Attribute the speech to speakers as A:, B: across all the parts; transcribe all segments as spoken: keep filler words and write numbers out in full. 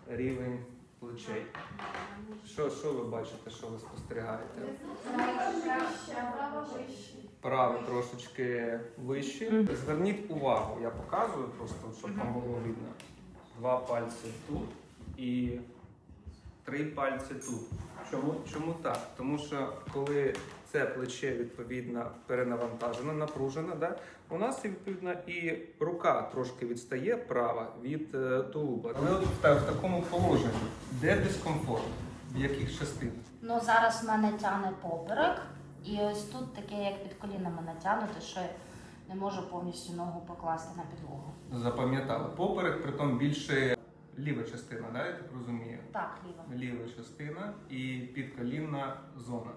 A: рівень плечей. Що, що ви бачите, що ви спостерігаєте? Правий трошечки вищий. Зверніть увагу, я показую просто, щоб вам було видно. Два пальці тут і три пальці тут. Чому, чому так? Тому що коли це плече відповідно перенавантажено, напружено, да? У нас відповідно і рука трошки відстає права від е, тулуба. Але от в, в такому положенні, де дискомфорт? В яких частинах?
B: Ну, зараз мене тягне поперек, і ось тут таке, як під колінами натягнуте, що я не можу повністю ногу покласти на підлогу.
A: Запам'ятали. Поперек, притом більше ліва частина, да, я так розумію?
B: Так, ліво.
A: Ліва частина і підколінна зона.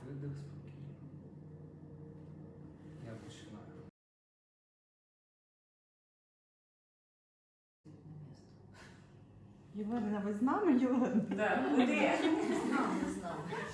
A: Я починаю.
C: Єлена, ви з нами, Єлена?
D: Да. Куди?
B: Не знаю, не знаю.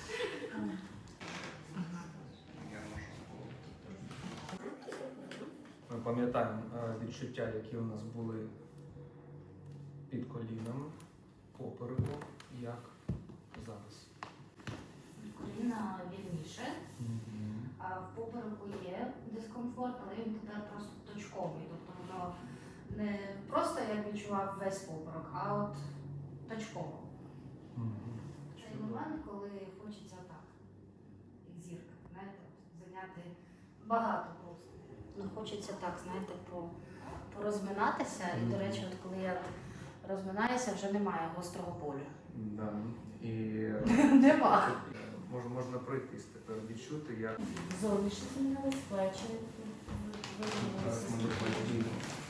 A: Ми пам'ятаємо е, відчуття, які у нас були під коліном, попереку, як зараз.
B: Коліна вільніше, а в попереку є дискомфорт, але він тепер просто точковий. Тобто воно не просто я відчував весь поперек, а от точково. Цей момент, коли хочеться так, як зірка, знаєте, зайняти багато просто. Ну, хочеться так, знаєте, по, порозминатися. І, до речі, от коли я розминаюся, вже немає гострого болю.
A: Да. І
B: Нема.
A: Можна, можна пройтись тепер, відчути, як
B: Зовнішні змінились, плечі
A: зараз ми
B: виводилися.
A: подіємо.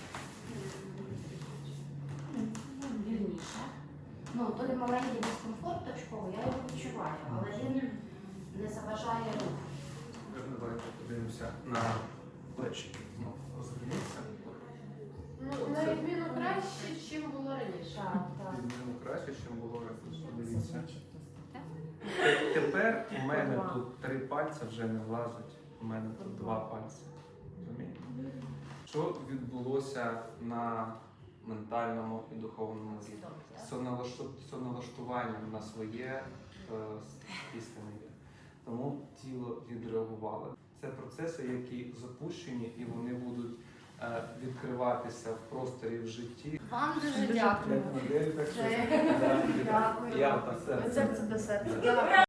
B: Вільніше. Ну, той маленький дискомфорт точковий, я його відчуваю, але він не заважає руху.
A: Давайте подивимося на плечі. Знову розверніться.
D: Ну, на відміну краще, ніж було раніше.
B: Так, так.
A: Відміну краще, ніж було раніше. Дивіться. Тепер у мене тут три пальці вже не влазить, у мене тут два пальці. Розумієте? Що відбулося на ментальному і духовному рівні? Соналашту- Соналаштуванням на своє е, істинне я. Тому тіло відреагувало. Це процеси, які запущені і вони будуть е, відкриватися в просторі в житті.
B: Вам дуже дякую.
A: Як модель, так що
B: Дякую.
A: я так серце.
B: Серце до серця.